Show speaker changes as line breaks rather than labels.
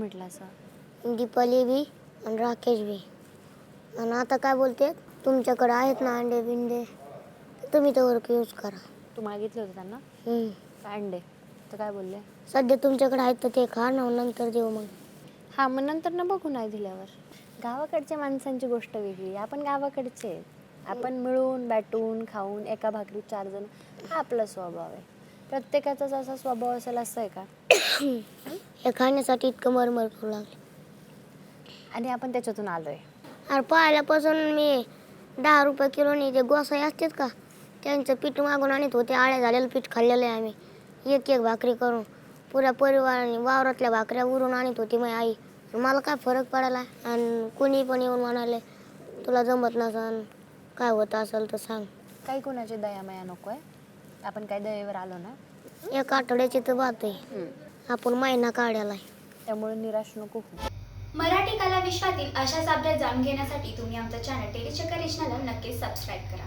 म्हटलं असं?
दीपाली बी आणि राकेश बी. आणि आता काय बोलते, तुमच्याकडे आहेत ना अंडे बिंडे, तुम्ही तर यूज करा.
तू मागितलं होतं त्यांना काय अंडे? तर काय बोलले?
सध्या तुमच्याकडे आहेत तर ते खा ना, नंतर देऊ मग.
हां, मग नंतर ना बघू नाही दिल्यावर. गावाकडच्या माणसांची गोष्ट वेगळी. आपण गावाकडचे आहेत. आपण मिळून बॅटून खाऊन एका भाकरीत 4 जण, हा आपला स्वभाव आहे. प्रत्येकाचाच असा स्वभाव असेल असं आहे का?
हे खाण्यासाठी इतकं मरमर करू लागले.
आणि आपण त्याच्यातून आलोय.
अरे पाहिल्यापासून मी 10 रुपये किलोनी जे गोसाई असतात का, त्यांचं पीठ मागून आणत होते. आळ्या झालेलं पीठ खाल्लेलं आहे आम्ही. एक एक भाकरी करून पुऱ्या परिवाराने वावरातल्या भाकऱ्या उरून आणत होती माझी आई. मला काय फरक पडायला. आणि कोणी पण येऊन म्हणाले, तुला जमत नसन, काय होत असेल तर सांग.
काही कोणाची दयामाया नको आहे. आपण काय दयेवर आलो ना.
एक आठवड्याची तर बात आहे, आपण महिना काढायला आहे.
त्यामुळे निराश नको होऊ.
मराठी कला विश्वातील अशाच अपडेट जाणून घेण्यासाठी तुम्ही आमचं चॅनल टेलीचक्कर रिजनला नक्कीच सबस्क्राईब करा.